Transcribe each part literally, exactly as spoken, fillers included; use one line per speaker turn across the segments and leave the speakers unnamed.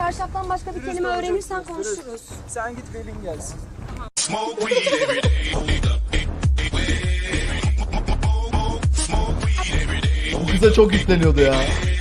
Çarşaftan başka bir kelime öğrenirsen konuşuruz.
Sen git Pelin gelsin.
Bu kıza çok yükleniyordu ya.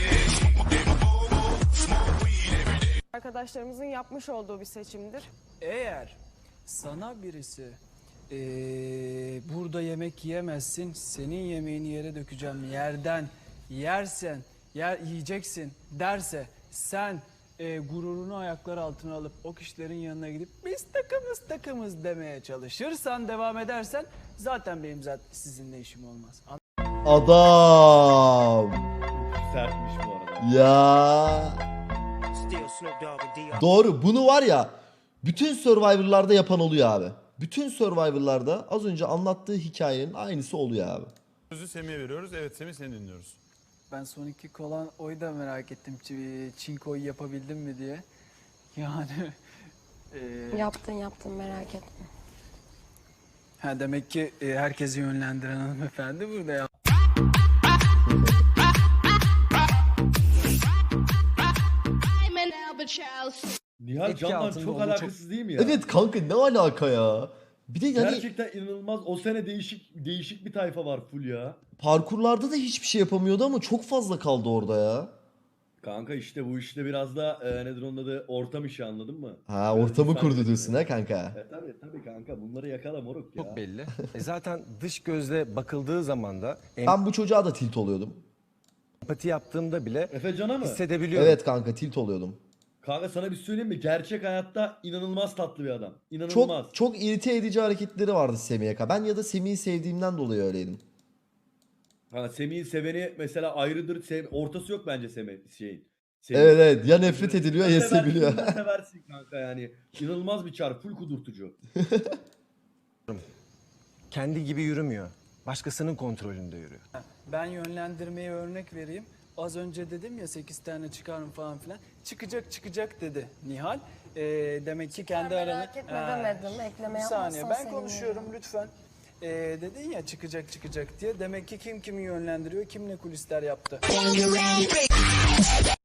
Arkadaşlarımızın yapmış olduğu bir seçimdir.
Eğer sana birisi ee, burada yemek yiyemezsin, senin yemeğini yere dökeceğim, yerden yersen, yer yiyeceksin derse sen e, gururunu ayaklar altına alıp o kişilerin yanına gidip biz takımız takımız demeye çalışırsan, devam edersen zaten benim zaten sizinle işim olmaz.
Adam.
Sertmiş bu arada.
Ya. Doğru. Bunu var ya bütün Survivor'larda yapan oluyor abi. Bütün Survivor'larda az önce anlattığı hikayenin aynısı oluyor abi.
Sözü Semih'e veriyoruz. Evet Semih, seni dinliyoruz.
Ben son iki kolan oyu da merak ettim. Ç- Çinko'yu yapabildim mi diye. Yani e,
Yaptın yaptın merak etme.
ha demek ki e, herkesi yönlendiren hanımefendi burada ya.
Nihal
Etki
Can'dan
altında
çok
olduğu
alakasız değil mi ya?
Evet kanka ne alaka ya? Bir de yani
Gerçekten inanılmaz. O sene değişik değişik bir tayfa var full ya.
parkurlarda da hiçbir şey yapamıyordu ama çok fazla kaldı orada ya.
Kanka işte bu işte biraz da e, nedir onun adı, ortam işi, anladın mı?
Ha
Biraz
ortamı
insan
kurdu
gücü.
diyorsun ha kanka.
E tabi tabi kanka, bunları yakala moruk ya.
Çok belli. E zaten dış gözle bakıldığı zaman da
Ben bu çocuğa da tilt oluyordum.
empati yaptığımda bile
Efe Can'a mı?
hissedebiliyorum.
Evet kanka tilt oluyordum.
Kanka sana bir söyleyeyim mi? Gerçek hayatta inanılmaz tatlı bir adam. İnanılmaz.
Çok çok irite edici hareketleri vardı Semih'e. ka- Ben ya da Semih'i sevdiğimden dolayı öyleydim.
Kanka Semih'in seveni mesela ayrıdır. Sev ortası yok bence Semih şeyin.
Evet evet ya nefret ediliyor ya
Seversin,
seviliyor.
seversin kanka yani. İnanılmaz bir çar. Full kudurtucu.
Kendi gibi yürümüyor. Başkasının kontrolünde yürüyor.
Ben yönlendirmeye örnek vereyim. Az önce dedim ya sekiz tane çıkarım falan filan. Çıkacak çıkacak dedi Nihal. Ee, demek ki kendi
merak
aranı...
etme
Ha,
demedim, ekleme
Bir saniye
yapmazsan
ben
sevinirim.
konuşuyorum lütfen. Ee, dedin ya çıkacak çıkacak diye. Demek ki kim kimi yönlendiriyor, kim ne kulisler yaptı.